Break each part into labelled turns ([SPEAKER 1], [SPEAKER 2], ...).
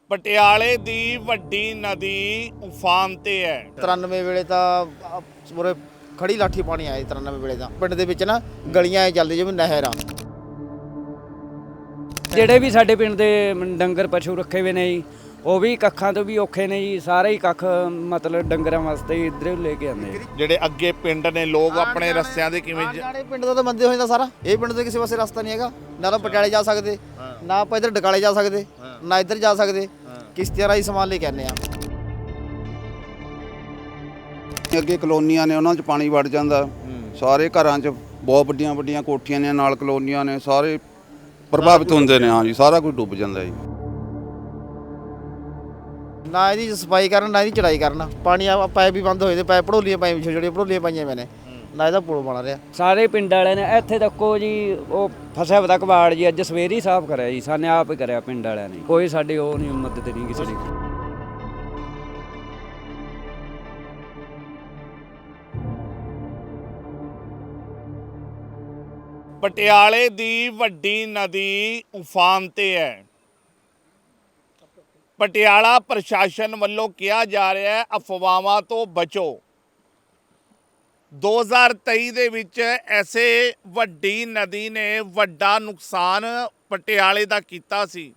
[SPEAKER 1] ਪਟਿਆਲੇ ਦੀ ਵੱਡੀ ਨਦੀ ਉਫਾਨ ਤੇ ਹੈ।
[SPEAKER 2] 93 ਵੇਲੇ ਤਾਂ ਪੂਰੇ ਖੜੀ ਲਾਠੀ ਪਾਣੀ ਆਇਆ 93 ਵੇਲੇ ਦਾ ਪਿੰਡ ਦੇ ਵਿੱਚ ਨਾ ਗਲੀਆਂ ਐ ਚੱਲਦੀ ਜਿਵੇਂ ਨਹਿਰ ਆ।
[SPEAKER 3] ਜਿਹੜੇ ਵੀ ਸਾਡੇ ਪਿੰਡ ਦੇ ਡੰਗਰ ਪਸ਼ੂ ਰੱਖੇ ਹੋਏ ਨੇ ਜੀ ਉਹ ਵੀ ਕੱਖਾਂ ਤੋਂ ਵੀ ਔਖੇ ਨੇ ਜੀ। ਸਾਰੇ ਹੀ ਕੱਖ ਮਤਲਬ ਡੰਗਰਾਂ ਵਾਸਤੇ ਇੱਧਰ ਲੈ ਕੇ ਆਉਂਦੇ।
[SPEAKER 1] ਜਿਹੜੇ ਅੱਗੇ ਪਿੰਡ ਨੇ ਲੋਕ ਆਪਣੇ ਰਸਤਿਆਂ ਦੇ ਕਿਵੇਂ
[SPEAKER 2] ਜਾਣੇ ਪਿੰਡ ਦਾ ਤਾਂ ਬੰਦੇ ਹੋ ਜਾਂਦਾ ਸਾਰਾ। ਇਹ ਪਿੰਡ ਦੇ ਕਿਸੇ ਪਾਸੇ ਰਸਤਾ ਨਹੀਂ ਹੈਗਾ, ਨਾ ਤਾਂ ਪਟਿਆਲੇ ਜਾ ਸਕਦੇ, ਨਾ ਆਪਾਂ ਇੱਧਰ ਡਕਾਲੇ ਜਾ ਸਕਦੇ, ਨਾ ਇੱਧਰ ਜਾ ਸਕਦੇ। ਕਿਸ਼ਤੀਆਂ ਰਾਹੀਂ ਸਮਾਨ ਲੈ ਕੇ ਆਉਂਦੇ ਆ।
[SPEAKER 4] ਅੱਗੇ ਕਲੋਨੀਆਂ ਨੇ ਉਹਨਾਂ 'ਚ ਪਾਣੀ ਵੜ ਜਾਂਦਾ, ਸਾਰੇ ਘਰਾਂ 'ਚ ਬਹੁਤ ਵੱਡੀਆਂ ਵੱਡੀਆਂ ਕੋਠੀਆਂ ਨੇ, ਨਾਲ ਕਲੋਨੀਆਂ ਨੇ, ਸਾਰੇ ਪ੍ਰਭਾਵਿਤ ਹੁੰਦੇ ਨੇ। ਹਾਂਜੀ, ਸਾਰਾ ਕੁਝ ਡੁੱਬ ਜਾਂਦਾ ਜੀ।
[SPEAKER 2] ਨਾ ਇਹਦੀ ਸਫਾਈ ਕਰਨ, ਨਾ ਇਹਦੀ ਚੜਾਈ ਕਰਨ। ਪਾਣੀ ਆ ਪਾਈਪ ਵੀ ਬੰਦ ਹੋਏ ਤੇ ਪਾਈਪ ਭੜੋਲੀਆਂ ਪਾਈਆਂ, ਛੋਟੀਆਂ ਛੋਟੀਆਂ ਭੜੋਲੀਆਂ ਪਾਈਆਂ ਮੈਨੇ, ਨਾ ਇਹਦਾ ਪੁਲ ਬਣ ਰਿਹਾ।
[SPEAKER 3] ਸਾਰੇ ਪਿੰਡ ਵਾਲਿਆਂ ਨੇ ਇੱਥੇ ਤੱਕੋ ਜੀ ਉਹ ਫਸਿਆ ਪਤਾ ਕਬਾੜ ਜੀ ਅੱਜ ਸਵੇਰੇ ਹੀ ਸਾਫ਼ ਕਰਿਆ ਜੀ। ਸਾਨੇ ਆਪ ਹੀ ਕਰਿਆ ਪਿੰਡ ਵਾਲਿਆਂ ਨੇ, ਕੋਈ ਸਾਡੇ ਉਹ ਨਹੀਂ ਮਦਦ ਨਹੀਂ ਕਿਸੇ ਦੀ।
[SPEAKER 1] ਪਟਿਆਲੇ ਦੀ ਵੱਡੀ ਨਦੀ ਉਫਾਨ ਤੇ ਹੈ। ਪਟਿਆਲਾ ਪ੍ਰਸ਼ਾਸਨ ਵੱਲੋਂ ਕਿਹਾ ਜਾ ਰਿਹਾ ਹੈ ਅਫਵਾਹਾਂ ਤੋਂ ਬਚੋ। 2023 ਦੇ ਵਿੱਚ ਐਸੇ ਵੱਡੀ ਨਦੀ ਨੇ ਵੱਡਾ ਨੁਕਸਾਨ ਪਟਿਆਲੇ ਦਾ ਕੀਤਾ ਸੀ।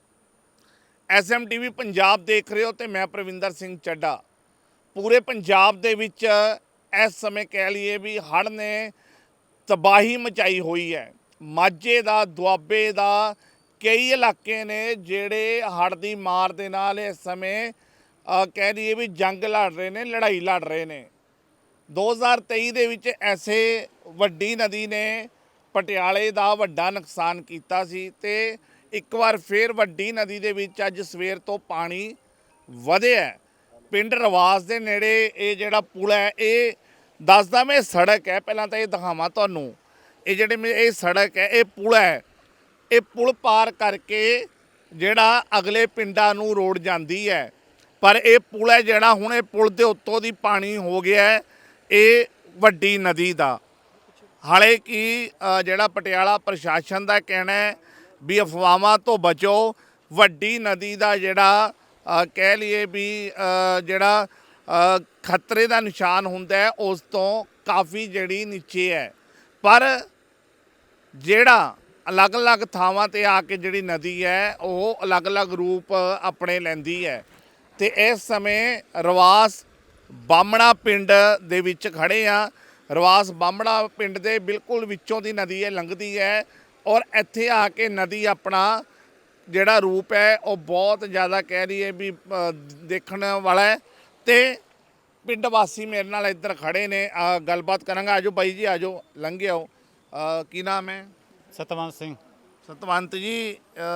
[SPEAKER 1] SMTV ਪੰਜਾਬ ਦੇਖ ਰਹੇ ਹੋ ਤੇ ਮੈਂ ਪ੍ਰਵਿੰਦਰ ਸਿੰਘ ਚੱਡਾ। ਪੂਰੇ ਪੰਜਾਬ ਦੇ ਵਿੱਚ ਇਸ ਸਮੇਂ ਕਹਿ ਲਈਏ ਵੀ ਹੜ੍ਹ ਨੇ ਤਬਾਹੀ ਮਚਾਈ ਹੋਈ ਹੈ। ਮਾਝੇ ਦਾ, ਦੁਆਬੇ ਦਾ ਕਈ ਇਲਾਕੇ ਨੇ ਜਿਹੜੇ ਹੜ੍ਹ ਦੀ ਮਾਰ ਦੇ ਨਾਲ ਇਸ ਸਮੇਂ ਕਹਿ ਲਈਏ ਵੀ ਜੰਗ ਲੜ ਰਹੇ ਨੇ, ਲੜਾਈ ਲੜ ਰਹੇ ਨੇ। 2023 ਦੇ ਵਿੱਚ ਐਸੇ ਵੱਡੀ ਨਦੀ ਨੇ ਪਟਿਆਲੇ ਦਾ ਵੱਡਾ ਨੁਕਸਾਨ ਕੀਤਾ ਸੀ ਤੇ ਇੱਕ ਵਾਰ ਫੇਰ ਵੱਡੀ ਨਦੀ ਦੇ ਵਿੱਚ ਅੱਜ ਸਵੇਰ ਤੋਂ ਪਾਣੀ ਵਧਿਆ। ਪਿੰਡ ਰਵਾਸ ਦੇ ਨੇੜੇ ਇਹ ਜਿਹੜਾ ਪੁਲ ਹੈ, ਇਹ ਦੱਸਦਾ ਮੈਂ ਸੜਕ ਹੈ, ਪਹਿਲਾਂ ਤਾਂ ਇਹ ਦਿਖਾਵਾਂ ਤੁਹਾਨੂੰ। ਇਹ ਜਿਹੜੇ ਇਹ ਸੜਕ ਹੈ, ਇਹ ਪੁਲ ਹੈ। ਇਹ ਪੁਲ ਪਾਰ ਕਰਕੇ ਜਿਹੜਾ ਅਗਲੇ ਪਿੰਡਾਂ ਨੂੰ ਰੋਡ ਜਾਂਦੀ ਹੈ, ਪਰ ਇਹ ਪੁਲ ਹੈ ਜਿਹੜਾ ਹੁਣ ਇਹ ਪੁਲ ਦੇ ਉੱਤੋਂ ਦੀ ਪਾਣੀ ਹੋ ਗਿਆ ਹੈ ਇਹ ਵੱਡੀ ਨਦੀ ਦਾ। ਹਾਲੇ ਕਿ ਜਿਹੜਾ ਪਟਿਆਲਾ ਪ੍ਰਸ਼ਾਸਨ ਦਾ ਕਹਿਣਾ ਹੈ ਵੀ ਅਫਵਾਹਾਂ ਤੋਂ ਬਚੋ। ਵੱਡੀ ਨਦੀ ਦਾ ਜਿਹੜਾ ਕਹਿ ਲਈਏ ਵੀ ਜਿਹੜਾ ਖਤਰੇ ਦਾ ਨਿਸ਼ਾਨ ਹੁੰਦਾ ਹੈ ਉਸ ਤੋਂ ਕਾਫੀ ਜਿਹੜੀ ਨੀਚੇ ਹੈ, ਪਰ ਜਿਹੜਾ ਅਲੱਗ-ਅਲੱਗ ਥਾਵਾਂ ਤੇ ਆ ਕੇ ਜਿਹੜੀ ਨਦੀ ਹੈ ਉਹ ਅਲੱਗ-ਅਲੱਗ ਰੂਪ ਆਪਣੇ ਲੈਂਦੀ ਹੈ। ਤੇ ਇਸ ਸਮੇਂ ਰਵਾਸ ਬਾਹਮਣਾ ਪਿੰਡ ਦੇ ਵਿੱਚ ਖੜੇ ਆ। ਰਵਾਸ ਬਾਹਮਣਾ ਪਿੰਡ ਦੇ ਬਿਲਕੁਲ ਵਿੱਚੋਂ ਦੀ ਨਦੀ ਹੈ, ਲੰਘਦੀ ਹੈ, ਔਰ ਇੱਥੇ ਆ ਕੇ ਨਦੀ ਆਪਣਾ ਜਿਹੜਾ ਰੂਪ ਹੈ ਉਹ ਬਹੁਤ ਜ਼ਿਆਦਾ ਕਹਿ ਲਈਏ ਵੀ ਦੇਖਣ ਵਾਲਾ ਹੈ। ਤੇ ਪਿੰਡ ਵਾਸੀ ਮੇਰੇ ਨਾਲ ਇੱਧਰ ਖੜੇ ਨੇ, ਗੱਲਬਾਤ ਕਰਾਂਗਾ। ਆਜੋ ਬਾਈ ਜੀ, ਆਜੋ, ਲੰਘੇ ਆਓ। ਕੀ ਨਾਮ ਹੈ?
[SPEAKER 5] ਸਤਵੰਤ ਸਿੰਘ।
[SPEAKER 1] ਸਤਵੰਤ ਜੀ,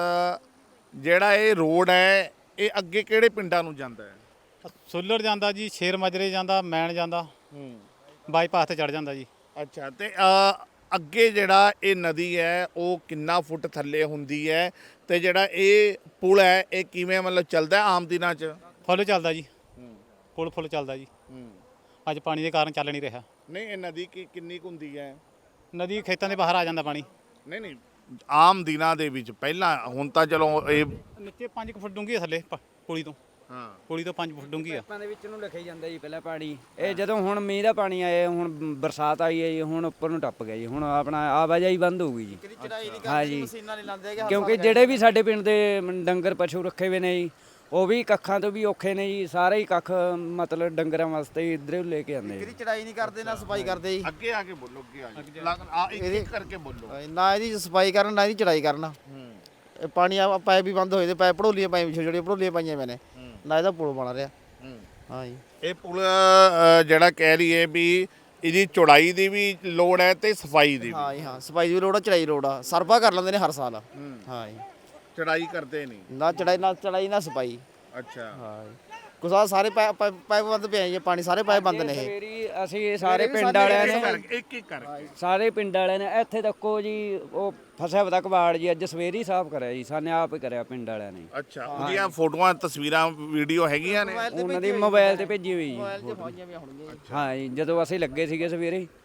[SPEAKER 1] ਜਿਹੜਾ ਇਹ ਰੋਡ ਹੈ ਇਹ ਅੱਗੇ ਕਿਹੜੇ ਪਿੰਡਾਂ ਨੂੰ ਜਾਂਦਾ ਹੈ?
[SPEAKER 5] ਸੁੱਲਰ ਜਾਂਦਾ ਜੀ, ਸ਼ੇਰ ਮਾਜਰੇ ਜਾਂਦਾ, ਮੈਣ ਜਾਂਦਾ, ਬਾਈਪਾਸ ਤੇ ਚੜ ਜਾਂਦਾ ਜੀ।
[SPEAKER 1] ਅੱਛਾ, ਤੇ ਅੱਗੇ ਜਿਹੜਾ ਇਹ ਨਦੀ ਹੈ ਉਹ ਕਿੰਨਾ ਫੁੱਟ ਥੱਲੇ ਹੁੰਦੀ ਹੈ ਤੇ ਜਿਹੜਾ ਇਹ ਪੁਲ ਹੈ ਇਹ ਕਿਵੇਂ ਮਤਲਬ ਚੱਲਦਾ ਆਮ ਦਿਨਾਂ 'ਚ?
[SPEAKER 5] ਫੁੱਲ ਚੱਲਦਾ ਜੀ, ਪੁਲ ਫੁੱਲ ਚੱਲਦਾ ਜੀ। ਅੱਜ ਪਾਣੀ ਦੇ ਕਾਰਨ ਚੱਲ ਨਹੀਂ ਰਿਹਾ।
[SPEAKER 1] ਨਹੀਂ, ਇਹ ਨਦੀ ਕਿੰਨੀ ਕੁ ਹੁੰਦੀ ਹੈ?
[SPEAKER 5] ਨਦੀ ਖੇਤਾਂ ਦੇ ਬਾਹਰ ਆ ਜਾਂਦਾ ਪਾਣੀ।
[SPEAKER 1] ਨਹੀਂ, ਆਮ ਦਿਨਾਂ ਦੇ ਵਿੱਚ ਪਹਿਲਾਂ, ਹੁਣ ਤਾਂ ਚਲੋ ਇਹ
[SPEAKER 5] ਨੀਚੇ 5 ਫੁੱਟ ਡੂੰਘੀ ਹੈ ਥੱਲੇ ਪੁਲੀ ਤੋਂ।
[SPEAKER 1] ਹਾਂ,
[SPEAKER 5] ਪੁਲੀ ਤੋਂ 5 ਫੁੱਟ ਡੂੰਘੀ ਆ।
[SPEAKER 3] ਪਾਈਪਾਂ ਦੇ ਵਿੱਚ ਨੂੰ ਲਿਖਿਆ ਜਾਂਦਾ ਜੀ ਪਹਿਲਾਂ ਪਾਣੀ। ਇਹ ਜਦੋਂ ਹੁਣ ਮੀਂਹ ਦਾ ਪਾਣੀ ਆਇਆ, ਹੁਣ ਬਰਸਾਤ ਆਈ ਹੈ ਜੀ, ਹੁਣ ਉੱਪਰ ਨੂੰ ਟੱਪ ਗਿਆ ਜੀ। ਹੁਣ ਆਪਣਾ ਆਵਾਜਾਈ ਬੰਦ ਹੋ ਗਈ ਜੀ। ਹਾਂ ਜੀ, ਕਿਉਂਕਿ ਜਿਹੜੇ ਵੀ ਸਾਡੇ ਪਿੰਡ ਦੇ ਡੰਗਰ ਪਸ਼ੂ ਰੱਖੇ ਹੋਏ ਨੇ ਜੀ ਉਹ ਵੀ ਕੱਖਾਂ ਤੋਂ ਵੀ ਔਖੇ ਨੇ ਜੀ। ਸਾਰੇ ਹੀ ਕੱਖ ਮਤਲਬ ਡੰਗਰਾਂ ਵਾਸਤੇ ਇੱਧਰ ਲੈ ਕੇ ਆਉਂਦੇ।
[SPEAKER 2] ਇਹਦੀ ਚੜਾਈ ਨਹੀਂ ਕਰਦੇ, ਨਾ ਸਫਾਈ ਕਰਦੇ ਜੀ।
[SPEAKER 1] ਅੱਗੇ ਆ ਕੇ ਬੋਲੋ, ਅੱਗੇ ਆ ਇੱਕ ਕਰਕੇ ਬੋਲੋ।
[SPEAKER 2] ਨਾ ਇਹਦੀ ਸਫਾਈ ਕਰਨ, ਨਾ ਇਹਦੀ ਚੜਾਈ ਕਰਨ। ਇਹ ਪਾਣੀ ਆ ਪਾਈਪ ਵੀ ਬੰਦ ਹੋਏ ਤੇ ਪਾਈਪ ਭੜੋਲੀਆਂ ਪਾਈਆਂ, ਛੋਟੀਆਂ ਛੋਟੀਆਂ ਭੜੋਲੀਆਂ ਪਾਈਆਂ ਮੈਨੇ, ਨਾ ਇਹਦਾ ਪੁਲ ਬਣ ਰਿਹਾ। ਹਾਂ ਜੀ,
[SPEAKER 1] ਇਹ ਪੁਲ ਜਿਹੜਾ ਕਹਿ ਲਈਏ ਵੀ ਇਹਦੀ ਚੌੜਾਈ ਦੀ ਵੀ ਲੋੜ ਹੈ ਤੇ ਸਫਾਈ ਦੀ ਵੀ।
[SPEAKER 2] ਹਾਂ ਜੀ, ਹਾਂ, ਸਫਾਈ ਦੀ ਵੀ ਲੋੜ ਆ, ਚੜਾਈ ਲੋੜ ਆ। ਸਰਪਾ ਕਰ ਲੈਂਦੇ ਨੇ ਹਰ ਸਾਲ। ਹਾਂ ਜੀ,
[SPEAKER 1] ਚੜਾਈ ਕਰਦੇ ਨਹੀਂ,
[SPEAKER 2] ਨਾ ਚੜਾਈ ਨਾ ਸਫਾਈ।
[SPEAKER 1] ਅੱਛਾ,
[SPEAKER 2] ਹਾਂ ਜੀ, ਕੁਛ ਸਾਰੇ ਪਾਈਪ ਬੰਦ ਪਏ ਜੀ, ਪਾਣੀ ਸਾਰੇ ਪਾਈਪ ਬੰਦ ਨੇ। ਇਹ
[SPEAKER 3] ਸਵੇਰੀ ਅਸੀਂ ਸਾਰੇ ਪਿੰਡ ਵਾਲਿਆਂ ਨੇ
[SPEAKER 1] ਇੱਕ ਇੱਕ ਕਰਕੇ
[SPEAKER 3] ਸਾਰੇ ਪਿੰਡ ਵਾਲਿਆਂ ਨੇ ਇੱਥੇ ਤੱਕੋ ਜੀ ਉਹ ਫਸਿਆ ਪਤਾ ਕਬਾੜ ਜੀ ਅੱਜ ਸਵੇਰੇ ਹੀ ਸਾਫ਼ ਕਰਿਆ ਜੀ। ਸਾਨੇ ਆਪ ਹੀ ਕਰਿਆ ਪਿੰਡ ਵਾਲਿਆਂ ਨੇ।
[SPEAKER 1] ਅੱਛਾ, ਉਹਦੀਆਂ ਫੋਟੋਆਂ, ਤਸਵੀਰਾਂ, ਵੀਡੀਓ ਹੈਗੀਆਂ ਨੇ?
[SPEAKER 3] ਉਹਨਾਂ ਦੀ ਮੋਬਾਈਲ ਤੇ ਭੇਜੀ ਹੋਈ ਜੀ।
[SPEAKER 2] ਮੋਬਾਈਲ 'ਚ ਪਾਈਆਂ ਵੀ ਹੋਣਗੀਆਂ।
[SPEAKER 3] ਹਾਂ ਜੀ, ਜਦੋਂ ਅਸੀਂ ਲੱਗੇ ਸੀਗੇ ਸਵੇਰੇ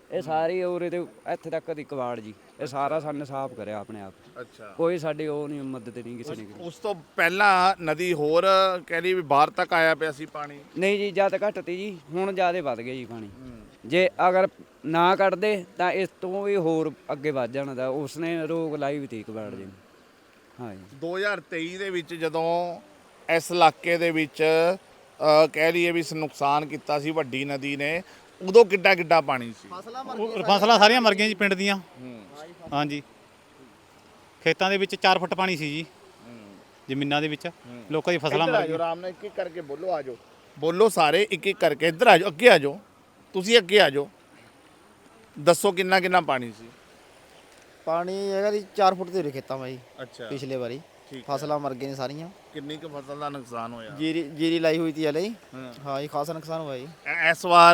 [SPEAKER 3] ਇਹ ਸਾਰੀ ਉਰੇ ਤੇ ਇੱਥੇ ਤੱਕ ਦੀ ਕਵਾੜ ਜੀ, ਇਹ ਸਾਰਾ ਸਾਨੂੰ ਸਾਫ਼ ਕਰਿਆ ਆਪਣੇ ਆਪ।
[SPEAKER 1] ਅੱਛਾ,
[SPEAKER 3] ਕੋਈ ਸਾਡੀ ਉਹ ਨਹੀਂ ਮਦਦ ਨਹੀਂ ਕਿਸੇ ਨੇ ਕੀਤੀ।
[SPEAKER 1] ਉਸ ਤੋਂ ਪਹਿਲਾਂ ਨਦੀ ਹੋਰ ਕਹਿ ਲਈ ਵੀ ਬਾਹਰ ਤੱਕ ਆਇਆ ਪਿਆ ਸੀ ਪਾਣੀ।
[SPEAKER 3] ਨਹੀਂ ਜੀ, ਜਦ ਘੱਟ ਤੀ ਜੀ, ਹੁਣ ਜ਼ਿਆਦਾ ਵੱਧ ਗਿਆ ਜੀ ਪਾਣੀ। ਜੇ ਅਗਰ ਨਾ ਕੱਢਦੇ ਤਾਂ ਇਸ ਤੋਂ ਵੀ ਹੋਰ ਅੱਗੇ ਵੱਧ ਜਾਣਾ ਦਾ, ਉਸਨੇ ਰੋਕ ਲਾਈ ਵੀ ਤੀ ਕਬਾੜ ਜੀ। ਹਾਂ ਜੀ
[SPEAKER 1] 2023 ਦੇ ਵਿੱਚ ਜਦੋਂ ਇਸ ਇਲਾਕੇ ਦੇ ਵਿੱਚ ਕਹਿ ਲਈਏ ਵੀ ਨੁਕਸਾਨ ਕੀਤਾ ਸੀ ਵੱਡੀ ਨਦੀ ਨੇ, ਉਦੋਂ ਕਿੱਡਾ ਕਿੱਡਾ ਪਾਣੀ ਸੀ।
[SPEAKER 5] ਫਸਲਾਂ ਸਾਰੀਆਂ ਮਰ ਗਈਆਂ ਜੀ ਪਿੰਡ ਦੀਆਂ। ਹਾਂਜੀ, ਖੇਤਾਂ ਦੇ ਵਿੱਚ 4 ਫੁੱਟ ਪਾਣੀ ਸੀ ਜੀ, ਜ਼ਮੀਨਾਂ ਦੇ ਵਿੱਚ ਲੋਕਾਂ ਦੀ ਫਸਲਾਂ ਮਰ ਗਈਆਂ।
[SPEAKER 1] ਆਰਾਮ ਨਾਲ ਇੱਕ ਇੱਕ ਕਰਕੇ ਬੋਲੋ, ਆ ਜਾਓ, ਬੋਲੋ ਸਾਰੇ ਇੱਕ ਇੱਕ ਕਰਕੇ। ਇੱਧਰ ਆ ਜਾਓ, ਅੱਗੇ ਆ ਜਾਓ, ਤੁਸੀਂ ਅੱਗੇ ਆ ਜਾਓ, ਦੱਸੋ ਕਿੰਨਾ ਕਿੰਨਾ ਪਾਣੀ ਸੀ।
[SPEAKER 2] ਪਾਣੀ ਹੈਗਾ ਜੀ 4 ਫੁੱਟ ਦੇ ਉਰੇ ਖੇਤਾਂ ਮਾ ਜੀ
[SPEAKER 1] ਅੱਛਾ,
[SPEAKER 2] ਪਿਛਲੇ ਵਾਰੀ।
[SPEAKER 1] ਠੀਕ
[SPEAKER 2] ਫਸਲਾਂ ਮਰ ਗਈਆਂ ਨੇ ਸਾਰੀਆਂ।
[SPEAKER 1] ਕਿੰਨੀ ਕੁ ਫਸਲ ਦਾ ਨੁਕਸਾਨ ਹੋਇਆ?
[SPEAKER 2] ਜੀਰੀ ਲਾਈ ਹੋਈ ਤੀ ਹਲੇ।
[SPEAKER 1] ਹਾਂ।
[SPEAKER 2] ਹਾਂ ਜੀ, ਖਾਸਾ ਨੁਕਸਾਨ ਹੋਇਆ ਜੀ
[SPEAKER 1] ਇਸ ਵਾਰ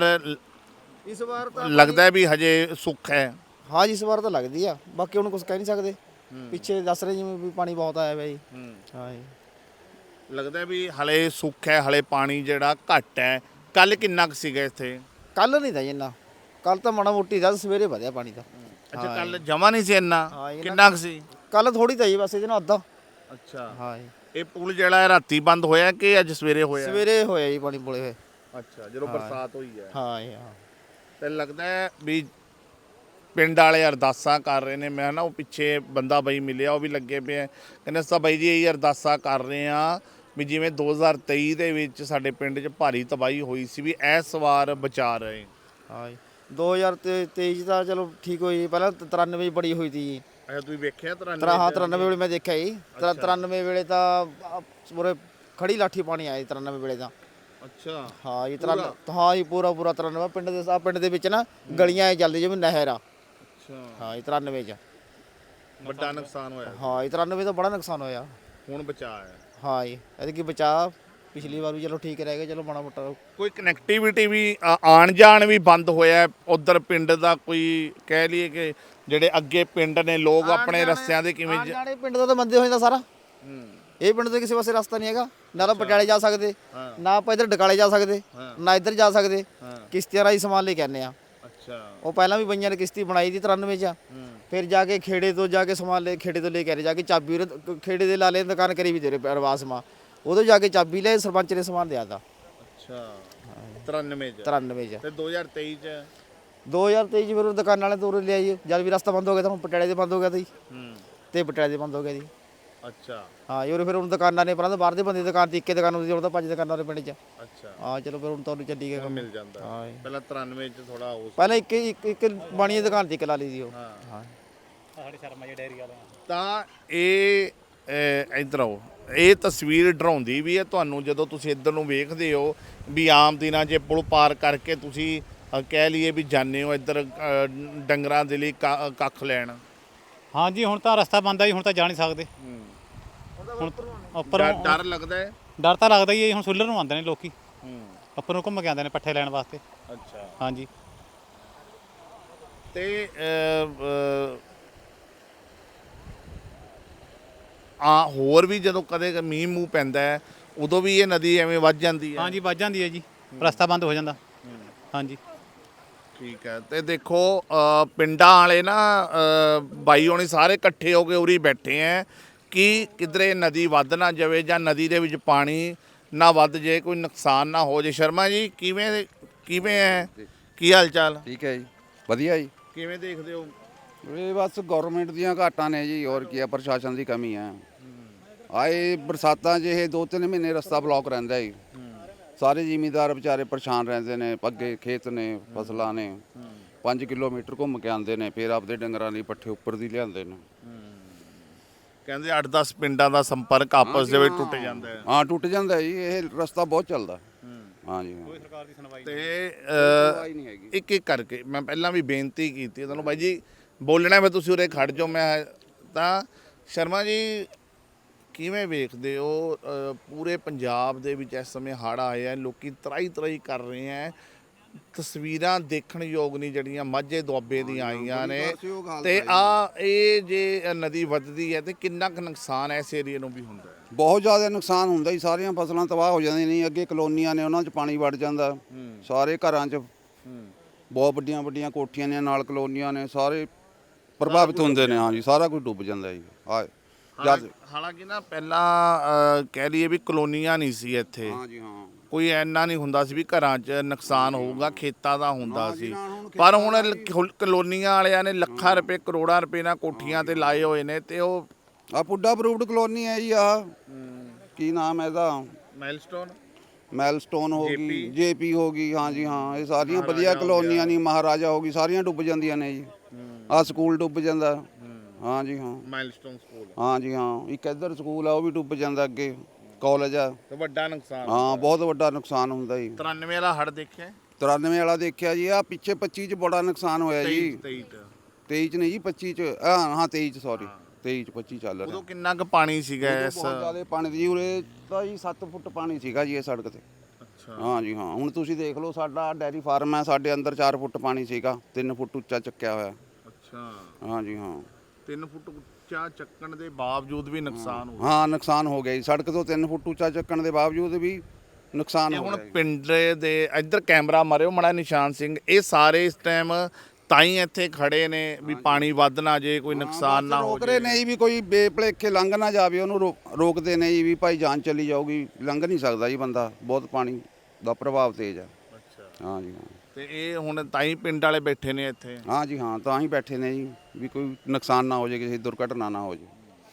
[SPEAKER 2] ਇਸ ਵਾਰ ਤਾਂ।
[SPEAKER 1] ਲੱਗਦਾ ਹੈ ਵੀ ਹਜੇ ਸੁੱਖ ਹੈ।
[SPEAKER 2] ਹਾਂ ਜੀ, ਇਸ ਵਾਰ ਤਾਂ ਲੱਗਦੀ ਆ, ਬਾਕੀ ਹੁਣ ਕੁਝ ਕਹਿ ਨਹੀਂ ਸਕਦੇ। ਪਿੱਛੇ ਦੱਸ ਰਹੇ ਜਿਵੇਂ ਵੀ ਪਾਣੀ ਬਹੁਤ ਆਇਆ ਹੋਇਆ ਜੀ। ਹਾਂ ਜੀ,
[SPEAKER 1] ਲੱਗਦਾ ਹੈ ਵੀ ਹਲੇ ਸੁੱਖ ਹੈ, ਹਲੇ ਪਾਣੀ ਜਿਹੜਾ ਘੱਟ ਹੈ। ਕੱਲ ਕਿੰਨਾ ਕੁ ਸੀਗਾ ਇੱਥੇ?
[SPEAKER 2] ਕੱਲ ਨਹੀਂ ਤਾਂ ਜੀ ਇੰਨਾ, ਕੱਲ ਤਾਂ ਮਾੜਾ ਮੋਟੀ ਦਾ, ਸਵੇਰੇ ਵਧਿਆ ਪਾਣੀ ਦਾ।
[SPEAKER 1] ਅੱਛਾ, ਕੱਲ ਜਮਾ ਨਹੀਂ ਸੀ ਇੰਨਾ?
[SPEAKER 2] ਹਾਂ, ਇਹਨਾਂ-
[SPEAKER 1] ਕਿੰਨਾ ਕੁ ਸੀ?
[SPEAKER 2] ਕੱਲ ਥੋੜੀ ਤਾਂ ਜੀ, ਬਸ ਇਹਦੇ ਨਾਲ ਅੱਧਾ।
[SPEAKER 1] ਅੱਛਾ,
[SPEAKER 2] ਹਾਂ ਜੀ,
[SPEAKER 1] ਇਹ ਪੁਲ ਜਿਹੜਾ ਹੈ ਰਾਤੀ ਬੰਦ ਹੋਇਆ ਕਿ ਅੱਜ ਸਵੇਰੇ ਹੋਇਆ?
[SPEAKER 2] ਸਵੇਰੇ ਹੋਇਆ ਜੀ ਪਾਣੀ ਪੁਲੇ ਹੋਏ।
[SPEAKER 1] ਅੱਛਾ, ਜਦੋਂ ਬਰਸਾਤ ਹੋਈ ਹੈ।
[SPEAKER 2] ਹਾਂ ਜੀ, ਹਾਂ।
[SPEAKER 1] ਤੇ ਲੱਗਦਾ ਹੈ ਵੀ ਪਿੰਡ ਵਾਲੇ ਅਰਦਾਸਾਂ ਕਰ ਰਹੇ ਨੇ। ਮੈਂ ਨਾ ਉਹ ਪਿੱਛੇ ਬੰਦਾ ਬਾਈ ਮਿਲਿਆ, ਉਹ ਵੀ ਲੱਗੇ ਪਏ ਆ, ਕਹਿੰਦੇ ਸਾ ਬਾਈ ਜੀ ਇਹ ਅਰਦਾਸਾਂ ਕਰ ਰਹੇ ਆ ਵੀ ਜਿਵੇਂ 2023 ਦੇ ਵਿੱਚ ਸਾਡੇ ਪਿੰਡ 'ਚ ਭਾਰੀ ਤਬਾਹੀ ਹੋਈ ਸੀ, ਵੀ ਇਸ ਵਾਰ ਬਚਾ ਰਹੇ।
[SPEAKER 2] ਹਾਂ ਜੀ, 2023 ਦਾ ਚਲੋ ਠੀਕ ਹੋਈ ਜੀ, ਪਹਿਲਾਂ 93 ਬੜੀ ਹੋਈ ਤੀ ਜੀ।
[SPEAKER 1] ਅੱਛਾ, ਤੁਸੀਂ ਵੇਖਿਆ 93?
[SPEAKER 2] ਹਾਂ, 93 ਵੇਲੇ ਮੈਂ ਦੇਖਿਆ ਜੀ। 93 ਵੇਲੇ ਤਾਂ ਪੂਰੇ ਖੜੀ ਲਾਠੀ ਪਾਣੀ ਆਇਆ ਜੀ 93 ਵੇਲੇ ਤਾਂ।
[SPEAKER 1] ਅੱਛਾ,
[SPEAKER 2] ਹਾਂ ਜੀ, 93 ਹਾਂ ਜੀ, ਪੂਰਾ 93 ਪਿੰਡ ਦੇ ਪਿੰਡ ਦੇ ਵਿੱਚ ਨਾ ਗਲੀਆਂ ਐ ਚੱਲਦੀ ਜਿਵੇਂ ਨਹਿਰ ਆ।
[SPEAKER 1] ਅੱਛਾ,
[SPEAKER 2] ਹਾਂ ਜੀ, 93 ਚ।
[SPEAKER 1] ਵੱਡਾ ਨੁਕਸਾਨ ਹੋਇਆ।
[SPEAKER 2] ਹਾਂ ਜੀ, 93 ਦਾ ਬੜਾ ਨੁਕਸਾਨ ਹੋਇਆ।
[SPEAKER 1] ਹੁਣ ਬਚਾ ਹੈ।
[SPEAKER 2] ਹਾਂ ਜੀ, ਇਹਦੇ ਕੀ ਬਚਾ, ਪਿਛਲੀ ਵਾਰ ਵੀ ਚਲੋ ਠੀਕ ਰਹਿ ਗਿਆ, ਚਲੋ ਮਾੜਾ ਮੋਟਾ।
[SPEAKER 1] ਕੋਈ ਕਨੈਕਟੀਵਿਟੀ ਵੀ ਆਣ ਜਾਣ ਵੀ ਬੰਦ ਹੋਇਆ ਉਧਰ ਪਿੰਡ ਦਾ? ਕੋਈ ਕਹਿ ਲਈਏ ਕਿ ਜਿਹੜੇ ਅੱਗੇ ਪਿੰਡ ਨੇ ਲੋਕ ਆਪਣੇ ਰਸਤਿਆਂ ਦੇ ਕਿਵੇਂ
[SPEAKER 2] ਜਾਣੇ ਪਿੰਡ ਦਾ ਤਾਂ ਬੰਦੇ ਹੋ ਜਾਂਦਾ ਸਾਰਾ। ਇਹ ਪਿੰਡ ਦੇ ਕਿਸੇ ਪਾਸੇ ਰਸਤਾ ਨਹੀਂ ਹੈਗਾ, ਨਾ ਤਾਂ ਪਟਿਆਲੇ ਜਾ ਸਕਦੇ, ਨਾ ਆਪਾਂ ਇੱਧਰ ਡਕਾਲੇ ਜਾ ਸਕਦੇ, ਨਾ ਇੱਧਰ ਜਾ ਸਕਦੇ। ਕਿਸ਼ਤੀਆਂ ਰਾਹੀਂ ਸਮਾਨ ਲੈ ਕੇ ਆਉਂਦੇ ਆ।
[SPEAKER 1] ਅੱਛਾ,
[SPEAKER 2] ਉਹ ਪਹਿਲਾਂ ਵੀ ਬਈਆਂ ਨੇ ਕਿਸ਼ਤੀ ਬਣਾਈ ਦੀ 93 ਚ। ਫਿਰ ਜਾ ਕੇ ਖੇੜੇ ਤੋਂ ਜਾ ਕੇ ਸਮਾਨ ਲੈ, ਖੇੜੇ ਤੋਂ ਲੈ ਕੇ ਆ ਰਹੇ, ਜਾ ਕੇ ਚਾਬੀ ਖੇੜੇ ਦੇ ਲਾਲੇ ਦੁਕਾਨ ਕਰੀ ਵੀ ਤੇਰੇ ਅਰਵਾਸ ਮਾ, ਉਦੋਂ ਜਾ ਕੇ ਚਾਬੀ ਲੈ, ਸਰਪੰਚ ਨੇ ਸਮਾਨ ਦਿਆ ਤਾ।
[SPEAKER 1] ਅੱਛਾ, 93 ਚ।
[SPEAKER 2] 93 ਚ।
[SPEAKER 1] ਤੇ 2023 ਚ?
[SPEAKER 2] 2023 ਚ ਫਿਰ ਦੁਕਾਨ ਵਾਲੇ ਤੋਂ ਲਿਆ ਜੀ, ਜਦ ਵੀ ਰਸਤਾ ਬੰਦ ਹੋ ਗਿਆ ਤਾਂ ਹੁਣ ਪਟਿਆਲੇ ਦੇ ਬੰਦ ਹੋ ਗਿਆ ਤਾ ਜੀ, ਤੇ ਪਟਿਆਲੇ ਦੇ ਬੰਦ ਹੋ ਗਿਆ ਜੀ।
[SPEAKER 1] ਅੱਛਾ,
[SPEAKER 2] ਹਾਂ ਜੀ, ਫਿਰ ਹੁਣ ਦੁਕਾਨਾਂ ਨੇ, ਪਹਿਲਾਂ ਤਾਂ ਬਾਹਰ ਦੇ ਬੰਦੇ ਦੁਕਾਨ ਤੇ ਇੱਕੇ ਦੁਕਾਨ ਹੁੰਦੀ ਸੀ, ਹੁਣ ਤਾਂ 5 ਦੁਕਾਨਾਂ ਨੇ ਪਿੰਡ 'ਚ।
[SPEAKER 1] ਅੱਛਾ,
[SPEAKER 2] ਹਾਂ ਚਲੋ ਫਿਰ ਹੁਣ ਤੁਹਾਨੂੰ ਚੱਲੀ ਗਿਆ ਕੰਮ।
[SPEAKER 1] ਮਿਲ ਜਾਂਦਾ।
[SPEAKER 2] ਹਾਂ ਜੀ,
[SPEAKER 1] ਪਹਿਲਾਂ 93 ਚ ਥੋੜਾ ਹੋ
[SPEAKER 2] ਪਹਿਲਾਂ ਇੱਕ ਬਾਣੀ ਦੀ ਦੁਕਾਨ ਤੇ ਇੱਕ ਲਾ ਲਈ ਸੀ ਉਹ। ਹਾਂ
[SPEAKER 5] ਸਾਡੇ ਸ਼ਰਮਾ ਜੀ ਡੇਅਰੀ ਵਾਲੇ
[SPEAKER 1] ਤਾਂ ਇਹ ਇੱਧਰ ਆਓ, ਇਹ ਤਸਵੀਰ ਡਰਾਉਂਦੀ ਵੀ ਹੈ ਤੁਹਾਨੂੰ ਜਦੋਂ ਤੁਸੀਂ ਇੱਧਰ ਨੂੰ ਵੇਖਦੇ ਹੋ ਵੀ ਆਮ ਦਿਨਾਂ 'ਚ ਪੁਲ ਪਾਰ ਕਰਕੇ ਤੁਸੀਂ ਕਹਿ ਲਈਏ ਵੀ ਜਾਂਦੇ ਹੋ ਇੱਧਰ ਡੰਗਰਾਂ ਦੇ ਲਈ ਕੱਖ ਲੈਣ।
[SPEAKER 5] ਹਾਂਜੀ, ਹੁਣ ਤਾਂ ਰਸਤਾ ਬੰਦ ਆ ਜੀ, ਹੁਣ ਤਾਂ ਜਾ ਨਹੀਂ ਸਕਦੇ। ਹੁਣ ਉੱਪਰ
[SPEAKER 1] ਡਰ ਲੱਗਦਾ ਹੈ?
[SPEAKER 5] ਡਰ ਤਾਂ ਲੱਗਦਾ ਹੀ ਹੈ ਜੀ, ਹੁਣ ਸੂਲਰ ਨੂੰ ਆਉਂਦੇ ਨੇ ਲੋਕੀ, ਉੱਪਰ ਨੂੰ ਘੁੰਮ ਕੇ ਆਉਂਦੇ ਨੇ ਪੱਠੇ ਲੈਣ ਵਾਸਤੇ।
[SPEAKER 1] ਅੱਛਾ,
[SPEAKER 5] ਹਾਂਜੀ,
[SPEAKER 1] ਤੇ ਹੋਰ ਵੀ ਜਦੋਂ ਕਦੇ ਮੀਂਹ ਮੂੰਹ ਪੈਂਦਾ ਹੈ ਉਦੋਂ ਵੀ ਇਹ ਨਦੀ ਐਵੇਂ ਵੱਧ ਜਾਂਦੀ ਹੈ?
[SPEAKER 5] ਹਾਂਜੀ ਵੱਜ ਜਾਂਦੀ ਹੈ ਜੀ, ਰਸਤਾ ਬੰਦ ਹੋ ਜਾਂਦਾ। ਹਾਂਜੀ,
[SPEAKER 1] ਠੀਕ ਹੈ। ਤੇ ਦੇਖੋ ਪਿੰਡਾਂ ਵਾਲੇ ਨਾ ਬਾਈ ਹੋਣੀ ਸਾਰੇ ਇਕੱਠੇ ਹੋ ਕੇ ਉਰੀ ਬੈਠੇ ਹੈ ਕਿ ਕਿਧਰੇ ਨਦੀ ਵੱਧ ਨਾ ਜਾਵੇ ਜਾਂ ਨਦੀ ਦੇ ਵਿੱਚ ਪਾਣੀ ਨਾ ਵੱਧ ਜੇ, ਕੋਈ ਨੁਕਸਾਨ ਨਾ ਹੋ ਜੇ। ਸ਼ਰਮਾ ਜੀ ਕਿਵੇਂ ਹੈ, ਕੀ ਹਾਲ ਚਾਲ?
[SPEAKER 4] ਠੀਕ ਹੈ ਜੀ, ਵਧੀਆ ਜੀ।
[SPEAKER 1] ਕਿਵੇਂ ਦੇਖਦੇ ਹੋ?
[SPEAKER 4] ਇਹ ਬਸ ਗਵਰਨਮੈਂਟ ਦੀਆਂ ਘਾਟਾਂ ਨੇ ਜੀ, ਹੋਰ ਕੀ ਆ, ਪ੍ਰਸ਼ਾਸਨ ਦੀ ਕਮੀ ਹੈ। ਆਏ ਬਰਸਾਤਾਂ 'ਚ ਇਹ 2-3 ਮਹੀਨੇ ਰਸਤਾ ਬਲੌਕ ਰਹਿੰਦਾ ਜੀ, ਸਾਰੇ ਜ਼ਿਮੀਂਦਾਰ ਵਿਚਾਰੇ ਪਰੇਸ਼ਾਨ ਰਹਿੰਦੇ ਨੇ। ਅੱਗੇ ਖੇਤ ਨੇ, ਫਸਲਾਂ ਨੇ, 5 ਕਿਲੋਮੀਟਰ ਘੁੰਮ ਕੇ ਆਉਂਦੇ ਨੇ, ਫਿਰ ਆਪਦੇ ਡੰਗਰਾਂ ਲਈ ਪੱਠੇ ਉੱਪਰ ਦੀ ਲਿਆਉਂਦੇ ਨੇ।
[SPEAKER 1] ਕਹਿੰਦੇ 8-10 ਪਿੰਡਾਂ ਦਾ ਸੰਪਰਕ ਆਪਸ ਦੇ ਵਿੱਚ ਟੁੱਟ ਜਾਂਦਾ ਹੈ।
[SPEAKER 4] ਹਾਂ, ਟੁੱਟ ਜਾਂਦਾ ਜੀ, ਇਹ ਰਸਤਾ ਬਹੁਤ ਚੱਲਦਾ। ਹਾਂਜੀ,
[SPEAKER 5] ਸਰਕਾਰ ਦੀ ਸੁਣਵਾਈ
[SPEAKER 1] ਤੇ
[SPEAKER 4] ਨਹੀਂ ਹੈਗੀ।
[SPEAKER 1] ਇੱਕ ਇੱਕ ਕਰਕੇ ਮੈਂ ਪਹਿਲਾਂ ਵੀ ਬੇਨਤੀ ਕੀਤੀ ਤੁਹਾਨੂੰ, ਬਾਈ ਜੀ ਬੋਲਣਾ ਮੈਂ, ਤੁਸੀਂ ਉਰੇ ਖੜ ਜਾਓ। ਮੈਂ ਤਾਂ ਸ਼ਰਮਾ ਜੀ ਕਿਵੇਂ ਵੇਖਦੇ ਹੋ ਪੂਰੇ ਪੰਜਾਬ ਦੇ ਵਿੱਚ ਇਸ ਸਮੇਂ ਹੜ੍ਹ ਆਏ ਆ, ਲੋਕੀ ਤਰਾਈ ਕਰ ਰਹੇ ਆ, ਤਸਵੀਰਾਂ ਦੇਖਣ ਯੋਗ ਨਹੀਂ ਜਿਹੜੀਆਂ ਮਾਝੇ ਦੁਆਬੇ ਦੀਆਂ ਆਈਆਂ ਨੇ। ਤੇ ਇਹ ਜੇ ਨਦੀ ਵੱਧਦੀ ਹੈ ਤੇ ਕਿੰਨਾ ਕੁ ਨੁਕਸਾਨ ਇਸ ਏਰੀਏ ਨੂੰ ਵੀ ਹੁੰਦਾ ਹੈ?
[SPEAKER 4] ਬਹੁਤ ਜ਼ਿਆਦਾ ਨੁਕਸਾਨ ਹੁੰਦਾ ਜੀ, ਸਾਰੀਆਂ ਫਸਲਾਂ ਤਬਾਹ ਹੋ ਜਾਂਦੀਆਂ ਨੇ। ਅੱਗੇ ਕਲੋਨੀਆਂ ਨੇ, ਉਹਨਾਂ 'ਚ ਪਾਣੀ ਵੜ ਜਾਂਦਾ, ਸਾਰੇ ਘਰਾਂ 'ਚ ਬਹੁਤ ਵੱਡੀਆਂ ਵੱਡੀਆਂ ਕੋਠੀਆਂ ਨੇ ਨਾਲ ਕਲੋਨੀਆਂ ਨੇ, ਸਾਰੇ ਪ੍ਰਭਾਵਿਤ ਹੁੰਦੇ ਨੇ। ਹਾਂਜੀ ਸਾਰਾ ਕੁਝ ਡੁੱਬ ਜਾਂਦਾ ਜੀ। ਜਦ
[SPEAKER 1] ਹਾਲਾਂਕਿ ਨਾ ਪਹਿਲਾਂ ਕਹਿ ਲਈਏ ਵੀ ਕਲੋਨੀਆਂ ਨਹੀਂ ਸੀ ਇੱਥੇ,
[SPEAKER 4] ਹਾਂਜੀ ਹਾਂ
[SPEAKER 1] ਕੋਈ ਐਨਾ ਨਹੀਂ ਹੁੰਦਾ ਸੀ ਵੀ ਘਰਾਂ 'ਚ ਨੁਕਸਾਨ ਹੋਊਗਾ, ਖੇਤਾਂ ਦਾ ਹੁੰਦਾ
[SPEAKER 4] ਜੀ,
[SPEAKER 1] ਸੀ।
[SPEAKER 4] ਨਾ, ਹੁਣ
[SPEAKER 1] ਪਰ ਹੁਣ ਕਲੋਨੀਆਂ ਵਾਲਿਆਂ ਨੇ ਲੱਖਾਂ ਰੁਪਏ ਕਰੋੜਾਂ ਰੁਪਏ ਨਾਲ ਕੋਠੀਆਂ ਤੇ ਲਾਏ ਹੋਏ ਨੇ ਤੇ ਉਹ
[SPEAKER 4] ਆ ਪੁੱਡਾ ਅਪਰੂਵਡ ਕਲੋਨੀ ਹੈ ਜੀ। ਆ ਕੀ ਨਾਮ ਹੈ ਇਹਦਾ?
[SPEAKER 1] ਮਾਈਲਸਟੋਨ
[SPEAKER 4] ਮੈਲਸਟੋਨ ਹੋ ਗਈ, ਜੇਪੀ ਹੋ ਗਈ। ਹਾਂਜੀ ਹਾਂ ਇਹ ਸਾਰੀਆਂ ਵਧੀਆ ਕਲੋਨੀਆਂ ਨਹੀਂ, ਮਹਾਰਾਜਾ ਹੋ ਗਈ, ਸਾਰੀਆਂ ਡੁੱਬ ਜਾਂਦੀਆਂ ਨੇ ਜੀ। ਆ ਸਕੂਲ ਡੁੱਬ ਜਾਂਦਾ। ਹਾਂਜੀ ਹਾਂ
[SPEAKER 1] ਮਾਈਲਸਟੋਨ ਸਕੂਲ
[SPEAKER 4] ਹਾਂਜੀ ਹਾਂ ਇੱਕ ਇੱਧਰ ਸਕੂਲ ਆ ਉਹ ਵੀ ਡੁੱਬ ਜਾਂਦਾ, ਅੱਗੇ ਕਾਲਜ ਆ।
[SPEAKER 1] ਤੇ ਵੱਡਾ ਨੁਕਸਾਨ।
[SPEAKER 4] ਹਾਂ ਬਹੁਤ ਵੱਡਾ ਨੁਕਸਾਨ ਹੁੰਦਾ ਜੀ।
[SPEAKER 1] 93 ਵਾਲਾ ਹੜ੍ਹ ਦੇਖਿਆ?
[SPEAKER 4] 93 ਵਾਲਾ ਦੇਖਿਆ ਜੀ। ਆ ਪਿੱਛੇ 25 ਚ ਬੜਾ ਨੁਕਸਾਨ ਹੋਇਆ ਜੀ। 23 ਚ ਨਹੀਂ ਜੀ 25 ਚ। ਹਾਂ 23 ਚ ਸੌਰੀ 23 ਚ 25 ਚੱਲ ਰਿਹਾ।
[SPEAKER 1] ਉਦੋਂ ਕਿੰਨਾ ਕੁ ਪਾਣੀ ਸੀਗਾ ਇਸ?
[SPEAKER 4] ਬਹੁਤ ਜ਼ਿਆਦਾ ਪਾਣੀ ਦੀ ਉਰੇ ਤਾਂ ਜੀ 7 ਫੁੱਟ ਪਾਣੀ ਸੀਗਾ ਜੀ ਇਹ ਸੜਕ ਤੇ।
[SPEAKER 1] ਅੱਛਾ
[SPEAKER 4] ਹਾਂਜੀ ਹਾਂ ਹੁਣ ਤੁਸੀਂ ਦੇਖ ਲਓ ਸਾਡਾ ਡੈਰੀ ਫਾਰਮ ਹੈ, ਸਾਡੇ ਅੰਦਰ 4 ਫੁੱਟ ਪਾਣੀ ਸੀਗਾ, 3 ਫੁੱਟ ਉੱਚਾ ਚੱਕਿਆ ਹੋਇਆ।
[SPEAKER 1] ਅੱਛਾ
[SPEAKER 4] ਹਾਂਜੀ ਹਾਂ
[SPEAKER 1] 3 ਫੁੱਟ ਉੱਚਾ ਚੱਕਣ ਦੇ ਬਾਵਜੂਦ ਵੀ ਨੁਕਸਾਨ ਹੋ ਗਿਆ।
[SPEAKER 4] ਹਾਂ ਨੁਕਸਾਨ ਹੋ ਗਿਆ ਜੀ। ਸੜਕ ਤੋਂ 3 ਫੁੱਟ ਉੱਚਾ ਚੱਕਣ ਦੇ ਬਾਵਜੂਦ ਵੀ ਨੁਕਸਾਨ
[SPEAKER 1] ਇਹ
[SPEAKER 4] ਹੋ
[SPEAKER 1] ਹੁਣ
[SPEAKER 4] ਗਿਆ ਜੀ।
[SPEAKER 1] ਪਿੰਡ ਦੇ ਇੱਧਰ ਕੈਮਰਾ ਮਾਰਿਓ ਮੜਾ ਨਿਸ਼ਾਨ ਸਿੰਘ, ਇਹ ਸਾਰੇ ਇਸ ਟਾਈਮ ਤਾਂ ਹੀ ਇੱਥੇ ਖੜੇ ਨੇ ਵੀ ਪਾਣੀ ਵੱਧ ਨਾ ਜੇ, ਕੋਈ ਨੁਕਸਾਨ ਨਾ ਹੋ
[SPEAKER 4] ਰੋਕ ਰਹੇ ਨੇ ਜੀ ਵੀ ਕੋਈ ਬੇਭਲੇਖੇ ਲੰਘ ਨਾ ਜਾਵੇ, ਉਹਨੂੰ ਰੋਕਦੇ ਨੇ ਜੀ ਵੀ ਭਾਈ ਜਾਨ ਚਲੀ ਜਾਊਗੀ, ਲੰਘ ਨਹੀਂ ਸਕਦਾ ਜੀ ਬੰਦਾ, ਬਹੁਤ ਪਾਣੀ ਦਾ ਪ੍ਰਭਾਵ ਤੇਜ਼ ਆ।
[SPEAKER 1] ਅੱਛਾ
[SPEAKER 4] ਹਾਂਜੀ ਹਾਂ
[SPEAKER 1] ਤੇ ਇਹ ਹੁਣ ਤਾਂ ਹੀ ਪਿੰਡ ਵਾਲੇ ਬੈਠੇ ਨੇ ਇੱਥੇ।
[SPEAKER 4] ਹਾਂਜੀ ਹਾਂ ਤਾਂ ਹੀ ਬੈਠੇ ਨੇ ਜੀ ਵੀ ਕੋਈ ਨੁਕਸਾਨ ਨਾ ਹੋ ਜਾਏ, ਕਿਸੇ ਦੁਰਘਟਨਾ ਨਾ ਹੋ ਜਾਏ।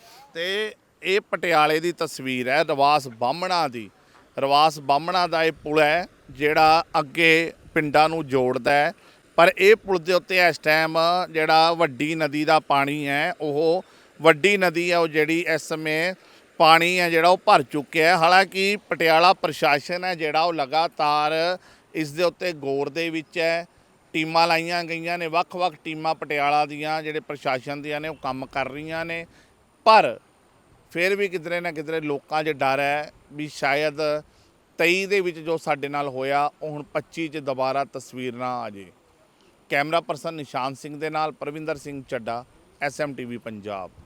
[SPEAKER 1] ਤੇ ਇਹ ਪਟਿਆਲੇ ਦੀ ਤਸਵੀਰ ਹੈ ਰਵਾਸ ਬਾਹਮਣਾ ਦੀ। ਰਵਾਸ ਬਾਹਮਣਾ ਦਾ ਇਹ ਪੁਲ ਹੈ ਜਿਹੜਾ ਅੱਗੇ ਪਿੰਡਾਂ ਨੂੰ ਜੋੜਦਾ ਹੈ, ਪਰ ਇਹ ਪੁਲ ਦੇ ਉੱਤੇ ਇਸ ਟਾਈਮ ਜਿਹੜਾ ਵੱਡੀ ਨਦੀ ਦਾ ਪਾਣੀ ਹੈ, ਉਹ ਵੱਡੀ ਨਦੀ ਹੈ ਉਹ ਜਿਹੜੀ ਇਸ ਸਮੇਂ ਪਾਣੀ ਹੈ ਜਿਹੜਾ ਉਹ ਭਰ ਚੁੱਕਿਆ ਹੈ। ਹਾਲਾਂਕਿ ਪਟਿਆਲਾ ਪ੍ਰਸ਼ਾਸਨ ਹੈ ਜਿਹੜਾ ਉਹ ਲਗਾਤਾਰ ਇਸ ਦੇ ਉੱਤੇ ਗੌਰ ਦੇ ਵਿੱਚ ਹੈ। ਟੀਮਾਂ ਲਾਈਆਂ ਗਈਆਂ ਨੇ, ਵੱਖ-ਵੱਖ ਟੀਮਾਂ ਪਟਿਆਲਾ ਦੀਆਂ ਜਿਹੜੇ ਪ੍ਰਸ਼ਾਸਨ ਦੀਆਂ ਨੇ ਉਹ ਕੰਮ ਕਰ ਰਹੀਆਂ ਨੇ, ਪਰ ਫਿਰ ਵੀ ਕਿਧਰੇ ਨਾ ਕਿਧਰੇ ਲੋਕਾਂ 'ਚ ਡਰ ਹੈ ਵੀ ਸ਼ਾਇਦ 23 ਦੇ ਵਿੱਚ ਜੋ ਸਾਡੇ ਨਾਲ ਹੋਇਆ ਉਹ ਹੁਣ 25 'ਚ ਦੁਬਾਰਾ ਤਸਵੀਰ ਨਾ ਆ ਜੇ। ਕੈਮਰਾ ਪਰਸਨ ਨਿਸ਼ਾਨ ਸਿੰਘ ਦੇ ਨਾਲ ਪ੍ਰਵਿੰਦਰ ਸਿੰਘ ਚੱਡਾ, SMTV ਪੰਜਾਬ।